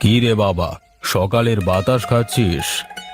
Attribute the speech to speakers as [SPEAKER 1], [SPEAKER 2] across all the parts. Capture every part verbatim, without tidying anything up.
[SPEAKER 1] কি রে বাবা, সকালের বাতাস খাচ্ছিস?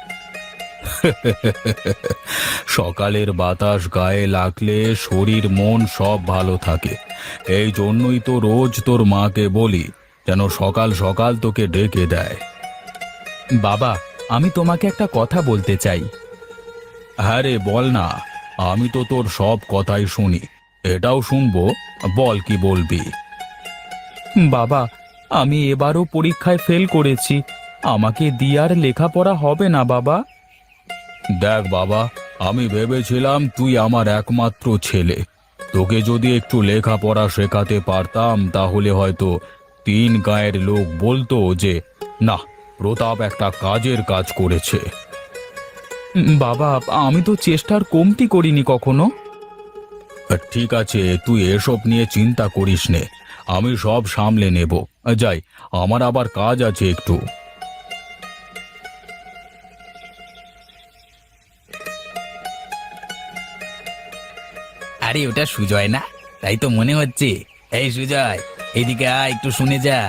[SPEAKER 1] সকালের বাতাস গায়ে লাগলে শরীর মন সব ভালো থাকে। এই জন্যই তো রোজ তোর মাকে বলি যেন সকাল সকাল তোকে ডেকে দেয়। বাবা, আমি তোমাকে একটা কথা বলতে চাই। হ্যাঁ রে, বল না। আমি তো তোর সব কথাই শুনি, এটাও শুনবো। বল, কি বলবি? বাবা, আমি এবারও পরীক্ষায় ফেল করেছি। আমাকে দিয়ে আর লেখাপড়া হবে না বাবা। দেখ বাবা, আমি ভেবেছিলাম তুই আমার একমাত্র ছেলে। তোকে যদি একটু লেখাপড়া শেখাতে পারতাম তাহলে হয়তো তিন গাঁয়ের লোক বলতো যে না, প্রতাপ একটা কাজের কাজ করেছে। উম, বাবা, আমি তো চেষ্টার কমতি করিনি কখনো। ঠিক আছে, তুই এসব নিয়ে চিন্তা করিস নে, আমি সব সামলে নেব। যাই, আমার আবার কাজ আছে একটু।
[SPEAKER 2] আরে ওটা সুজয় না? তাই তো মনে হচ্ছে। এই সুজয়, এদিকে আয়, একটু শুনে যা।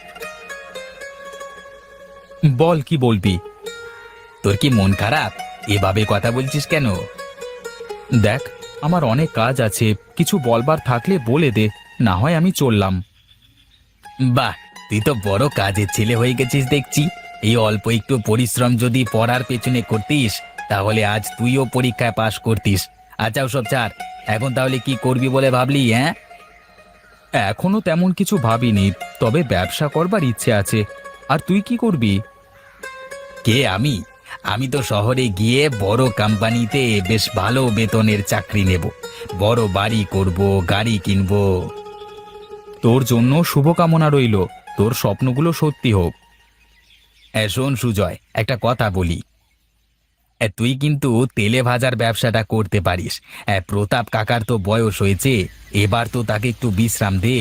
[SPEAKER 1] বল, কি বলবি?
[SPEAKER 2] তোর কি মন খারাপ? এভাবে কথা বলছিস কেন?
[SPEAKER 1] দেখ, আমার অনেক কাজ আছে, কিছু বলবার থাকলে বলে দে, না হয় আমি চললাম।
[SPEAKER 2] বাহ, তুই তো বড় কাজের ছেলে হয়ে গেছিস দেখছি। এই অল্প একটু পরিশ্রম যদি পড়ার পেছনে করতিস তাহলে আজ তুইও পরীক্ষায় পাশ করতিস। আচ্ছা ওসব ছাড়, এখন তাহলে কি করবি বলে ভাবলি? হ্যাঁ,
[SPEAKER 1] এখনো তেমন কিছু ভাবিনি, তবে ব্যবসা করবার ইচ্ছে আছে। আর তুই কি করবি?
[SPEAKER 2] কে? আমি আমি তো শহরে গিয়ে বড় কোম্পানিতে বেশ ভালো বেতনের চাকরি নেব। বড় বাড়ি করব, গাড়ি কিনবো।
[SPEAKER 1] তোর জন্য শুভকামনা রইল, তোর স্বপ্নগুলো সত্যি হোক।
[SPEAKER 2] এ, শোন সুজয়, একটা কথা বলি। এ, তুই কিন্তু তেলে ভাজার ব্যবসাটা করতে পারিস। এ, প্রতাপ কাকার তো বয়স হয়েছে, এবার তো তাকে একটু বিশ্রাম দে।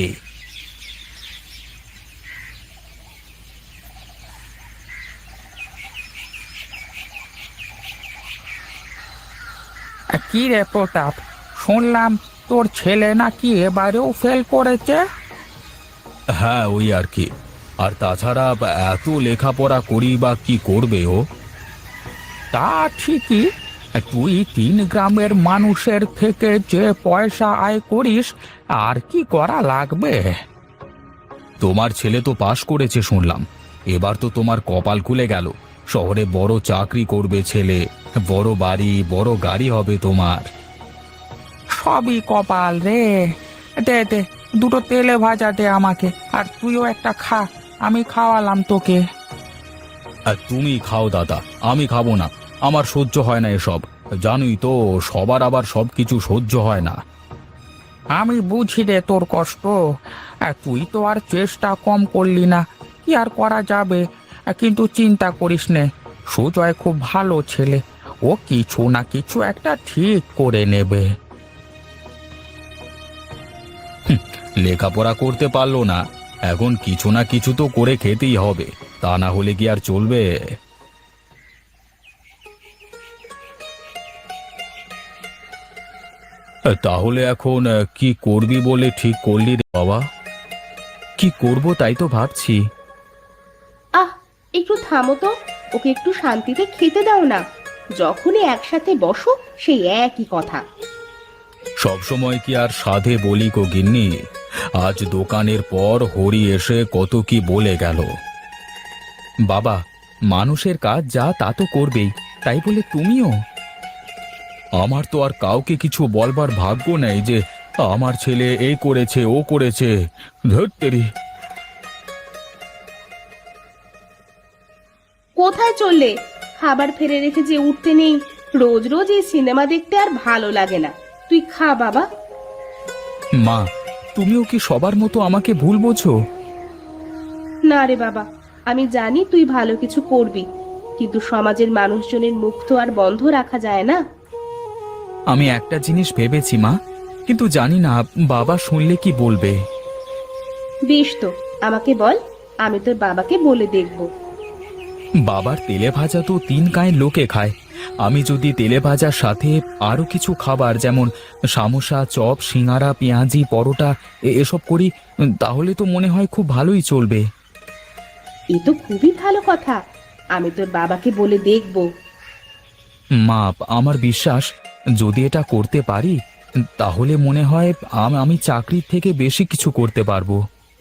[SPEAKER 3] কি রে প্রতাপ, শুনলাম তোর ছেলে নাকি এবারেও ফেল করেছে?
[SPEAKER 1] হ্যাঁ, ওই আর কি। আর তাছাড়া এত লেখাপড়া করি বা কি করবে ও?
[SPEAKER 3] তা ঠিকই, তুই তিন গ্রামের মানুষের থেকে যে পয়সা আয় করিস, আর কি করা লাগবে?
[SPEAKER 1] তোমার ছেলে তো পাশ করেছে শুনলাম, এবার তো তোমার কপাল খুলে গেল। শহরে বড় চাকরি করবে ছেলে, বড় বাড়ি বড় গাড়ি হবে তোমার।
[SPEAKER 3] সবই কপাল রে। দে দে, দুটো তেলে ভাজা দে আমাকে, আর তুইও একটা খা, আমি খাওয়ালাম তোকে।
[SPEAKER 1] আর তুমি খাও দাদা, আমি খাবো না। আমার সহ্য হয় না এসব। জানোই তো, সবার আবার সব কিছু সহ্য হয় না।
[SPEAKER 3] আমি বুঝি রে তোর কষ্ট, আর তুই তো আর চেষ্টা কম করলি না, কি আর করা যাবে। কিন্তু চিন্তা করিস নে, সুজয় খুব ভালো ছেলে, ও কিছু না কিছু একটা ঠিক করে নেবে।
[SPEAKER 1] লেখাপড়া করতে পারলো না, এখন কিছু না কিছু তো করে খেতেই হবে, তা না হলে কি আর চলবে? তাহলে এখন আহ, কি করবি বলে ঠিক করলি রে বাবা? কি করব তাই তো ভাবছি।
[SPEAKER 4] আহ, একটু থামো তো। ওকে একটু শান্তিতে খেতে দাও না। যখনই একসাথে বসো সেই একই কথা।
[SPEAKER 1] সব সময় কি আর সাধে বলি গো গিন্নি? আজ দোকানের পর হরি এসে কত কি বলে গেল। বাবা, মানুষের কাজ যা তা তো করবেই, তাই বলে তুমিও? আমার তো আর কাউকে কিছু বলবার ভাগ্য নেই যে আমার ছেলে এই করেছে ও করেছে। ধত্তেরি।
[SPEAKER 4] কোথায় চললে? খাবার ফেলে রেখে যে উঠতে নেই। রোজ রোজ এই সিনেমা দেখতে আর ভালো লাগে না। তুই খা বাবা।
[SPEAKER 1] মা, তুমিও কি সবার মতো আমাকে ভুল বোঝো?
[SPEAKER 4] না রে বাবা, আমি জানি তুই ভালো কিছু করবি, কিন্তু সমাজের মানুষজনের মুখ তো আর বন্ধ রাখা যায় না।
[SPEAKER 1] আমি একটা জিনিস ভেবেছি মা, কিন্তু জানি না বাবা শুনলে কি বলবে।
[SPEAKER 4] বেশ তো, আমাকে বল, আমি তোর বাবাকে বলে দেখব।
[SPEAKER 1] বাবার তেলে ভাজা তো তিন গাঁয়ের লোকে খায়। আমি যদি তেলে ভাজার সাথে আরো কিছু খাবার যেমন সামোসা, চপ, সিঙ্গারা, পেঁয়াজি, পরোটা এ- এসব করি, তাহলে তো মনে হয় খুব ভালোই চলবে।
[SPEAKER 4] এ তো খুবই ভালো কথা। আমি তোর বাবাকে বলে দেখব।
[SPEAKER 1] মা, আমার বিশ্বাস যদি এটা করতে পারি তাহলে মনে হয় আম- আমি চাকরির থেকে বেশি কিছু করতে পারবো।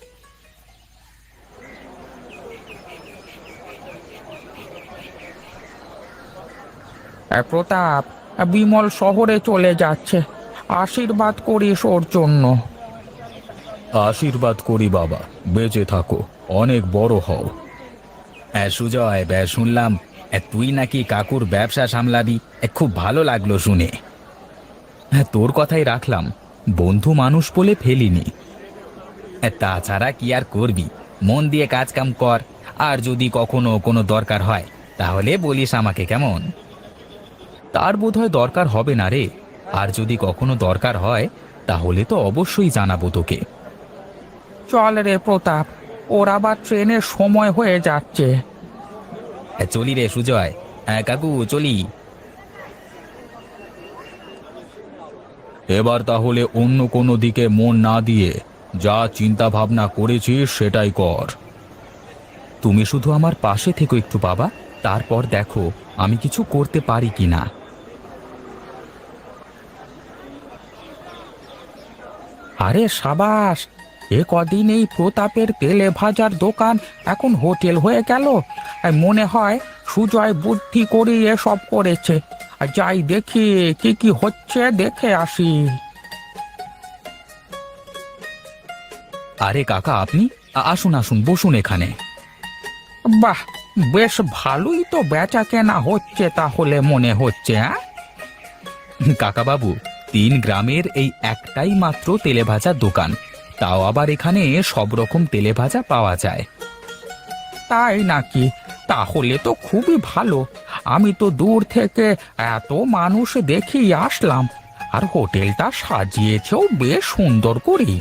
[SPEAKER 3] এ, প্রতাপ, বিমল শহরে চলে যাচ্ছে, আশীর্বাদ করিস ওর জন্য।
[SPEAKER 1] আশীর্বাদ করি বাবা, বেঁচে থাকো, অনেক বড় হও।
[SPEAKER 2] হ্যাঁ সুজয়, ব্যা- শুনলাম এ, তুই নাকি কাকুর ব্যবসা সামলাবি। এ, খুব ভালো লাগলো শুনে।
[SPEAKER 1] হ্যাঁ, তোর কথাই রাখলাম, বন্ধু মানুষ বলে ফেলিনি।
[SPEAKER 2] এ, তাছাড়া কি আর করবি, মন দিয়ে কাজ কাম কর। আর যদি কখনো কোনো দরকার হয় তাহলে বলিস আমাকে, কেমন?
[SPEAKER 1] তার বোধহয় দরকার হবে না রে, আর যদি কখনো দরকার হয় তাহলে তো অবশ্যই জানাবো তোকে।
[SPEAKER 3] চল রে প্রতাপ, ওর আবার ট্রেনের সময় হয়ে যাচ্ছে।
[SPEAKER 2] এ, চলি রে সুজয়। হ্যাঁ কাকু, চলি।
[SPEAKER 1] এবার তাহলে অন্য কোনো দিকে মন না দিয়ে যা চিন্তা ভাবনা করেছিস সেটাই কর। তুমি শুধু আমার পাশে থেকো একটু বাবা, তারপর দেখো আমি কিছু করতে পারি কিনা।
[SPEAKER 3] আরে সাবাস, এ কদিন এই প্রতাপের তেলে ভাজার দোকান এখন হোটেল হয়ে গেল। আর মনে হয় সুজয় বুদ্ধি করে এসব করেছে। আর যাই দেখি কি কি হচ্ছে, দেখে আসি।
[SPEAKER 1] আরে কাকা, আপনি আ- আসুন আসুন, বসুন এখানে।
[SPEAKER 3] বাহ, বেশ ভালোই তো বেচা কেনা হচ্ছে তাহলে মনে হচ্ছে। হ্যাঁ,
[SPEAKER 1] কাকা বাবু, তিন গ্রামের এই একটাই মাত্র তেলে ভাজার দোকান, তাও আবার এখানে সব রকম তেলে ভাজা পাওয়া যায়।
[SPEAKER 3] তাই নাকি? তাহলে তো খুবই ভালো। আমি তো দূর থেকে এত মানুষ দেখেই আসলাম, আর হোটেলটা সাজিয়েছেও বেশ সুন্দর করেই।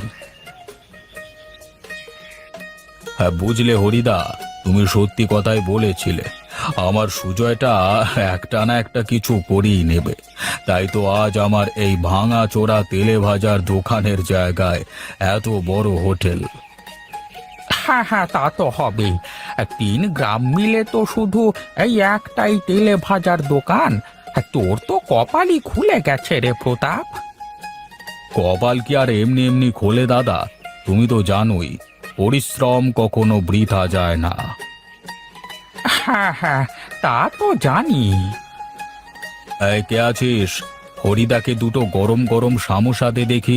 [SPEAKER 1] হ্যাঁ বুঝলে হরিদা, তুমি সত্যি কথাই বলেছিলে, আমার সুজয়টা একটা না একটা কিছু করেই নেবে। তাই তো আজ আমার এই ভাঙা চোরা তেলে ভাজার দোকানের জায়গায় এত বড় হোটেল।
[SPEAKER 3] হ্যাঁ হ্যাঁ, তা তো হবেই। তিন গ্রাম মিলে তো শুধু এই একটাই তেলে ভাজার দোকান। তোর তো কপালই খুলে গেছে রে প্রতাপ।
[SPEAKER 1] কপাল কি আর এমনি এমনি খোলে দাদা? তুমি তো জানোই, পরিশ্রম কখনো বৃথা যায় না।
[SPEAKER 3] হ্যাঁ হ্যাঁ, তা তো জানি।
[SPEAKER 1] এই কে আছিস? হরিদাকে দুটো গরম গরম সামোসা দে দেখি।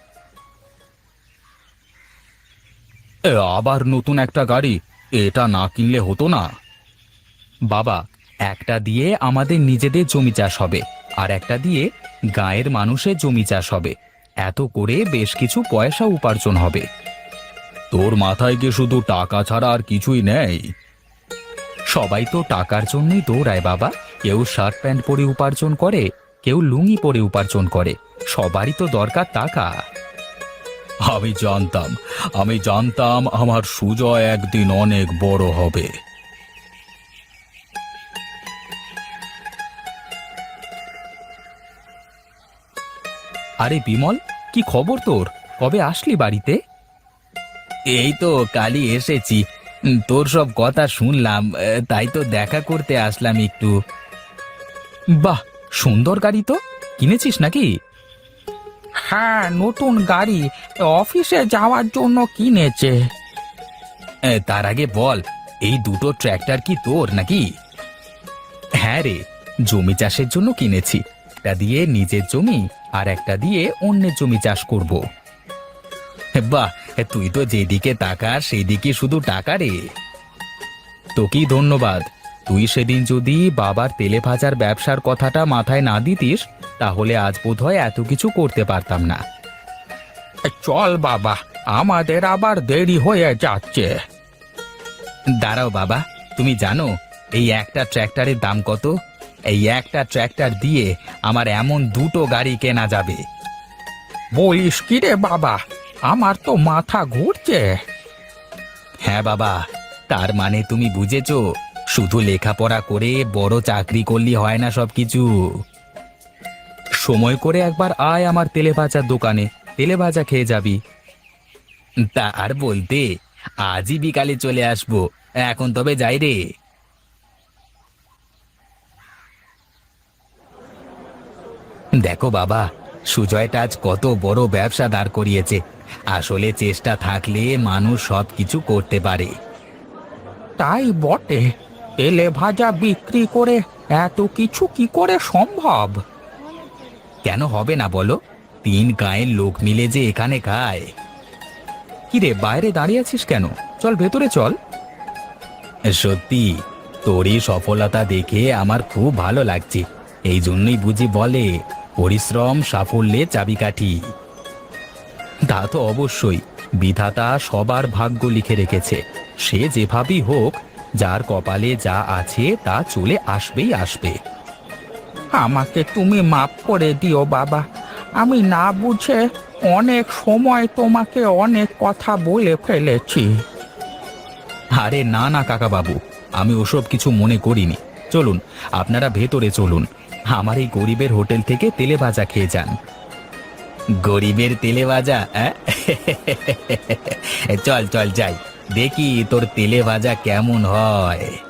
[SPEAKER 1] এ, আবার নতুন একটা গাড়ি? এটা না কিনলে হতো না? বাবা, একটা দিয়ে আমাদের নিজেদের জমি চাষ হবে, আর একটা দিয়ে গাঁয়ের মানুষের জমি চাষ হবে। এত করে বেশ কিছু পয়সা উপার্জন হবে। তোর মাথায় কি শুধু টাকা ছাড়া আর কিছুই নেই? সবাই তো টাকার জন্যই দৌড়ায় বাবা। কেউ শার্ট প্যান্ট পরে উপার্জন করে, কেউ লুঙ্গি পরে উপার্জন করে। সবারই তো দরকার টাকা। আমি জানতাম, আমি জানতাম আমার সুজয় একদিন অনেক বড় হবে। আরে বিমল, কি খবর তোর? কবে আসলি বাড়িতে?
[SPEAKER 2] এই তো কালই এসেছি। উম, তোর সব কথা শুনলাম, এ, তাই তো দেখা করতে আসলাম একটু।
[SPEAKER 1] বাহ, সুন্দর গাড়ি তো, কিনেছিস নাকি?
[SPEAKER 3] হ্যাঁ, নতুন গাড়ি, অফিসে যাওয়ার জন্য কিনেছে।
[SPEAKER 2] এ, তার আগে বল, এই দুটো ট্র্যাক্টর কি তোর নাকি?
[SPEAKER 1] হ্যাঁ রে, জমি চাষের জন্য কিনেছি। একটা দিয়ে নিজের জমি, আর একটা দিয়ে অন্যের জমি চাষ করব।
[SPEAKER 2] বাহ, তুই তো যেদিকে তাকাস সেদিকে শুধু টাকা রে।
[SPEAKER 1] তোকেই ধন্যবাদ। তুই সেদিন যদি বাবার তেলে ভাজার ব্যবসার কথাটা মাথায় না দিতিস তাহলে আজ বোধহয় এত কিছু করতে পারতাম না।
[SPEAKER 3] চল বাবা, আমাদের আবার দেরি হয়ে যাচ্ছে।
[SPEAKER 2] দাঁড়াও বাবা, তুমি জানো এই একটা ট্র্যাক্টরের দাম কত? এই একটা ট্র্যাক্টর দিয়ে আমার এমন দুটো গাড়ি কেনা যাবে।
[SPEAKER 3] বলিস কি রে বাবা, আমার তো মাথা ঘুরছে।
[SPEAKER 2] হ্যাঁ বাবা, তার মানে তুমি বুঝেছো, শুধু লেখাপড়া করে বড় চাকরি করলে হয় না সব কিছু।
[SPEAKER 1] সময় করে একবার আয় আমার তেলে ভাজার দোকানে, তেলে ভাজা খেয়ে যাবি।
[SPEAKER 2] তা আর বলতে, আজই বিকালে চলে আসবো। এখন তবে যাই রে। দেখো বাবা, সুজয়টা আজ কত বড় ব্যবসা দাঁড় করিয়েছে। আসলে চেষ্টা থাকলে মানুষ সব কিছু করতে পারে।
[SPEAKER 3] তাই বটে, তেলে ভাজা বিক্রি করে এত কিছু কি করে সম্ভব?
[SPEAKER 2] কেন হবে না বলো? তিন গাঁয়ের লোক মিলে যে এখানে খায়। কিরে, বাইরে দাঁড়িয়ে আছিস কেন? চল ভেতরে চল। সত্যি, তোর এই সফলতা দেখে আমার খুব ভালো লাগছে। এই জন্যই বুঝি বলে পরিশ্রম সাফল্যের চাবিকাঠি। তা তো অবশ্যই, বিধাতা সবার ভাগ্য লিখে রেখেছে। সে যেভাবেই হোক, যার কপালে যা আছে তা চলে আসবেই আসবে।
[SPEAKER 3] আমাকে তুমি মাফ করে দিও বাবা, আমি না বুঝে অনেক সময় তোমাকে অনেক কথা বলে ফেলেছি।
[SPEAKER 2] আরে না না কাকা বাবু, আমি ওসব কিছু মনে করিনি। চলুন, আপনারা ভেতরে চলুন। আমার এই গরিবের হোটেল থেকে তেলে ভাজা খেয়ে যান। গরিবের তেলে ভাজা? অ্যাঁ? চল চল যাই, দেখি তোর তেলে ভাজা কেমন হয়।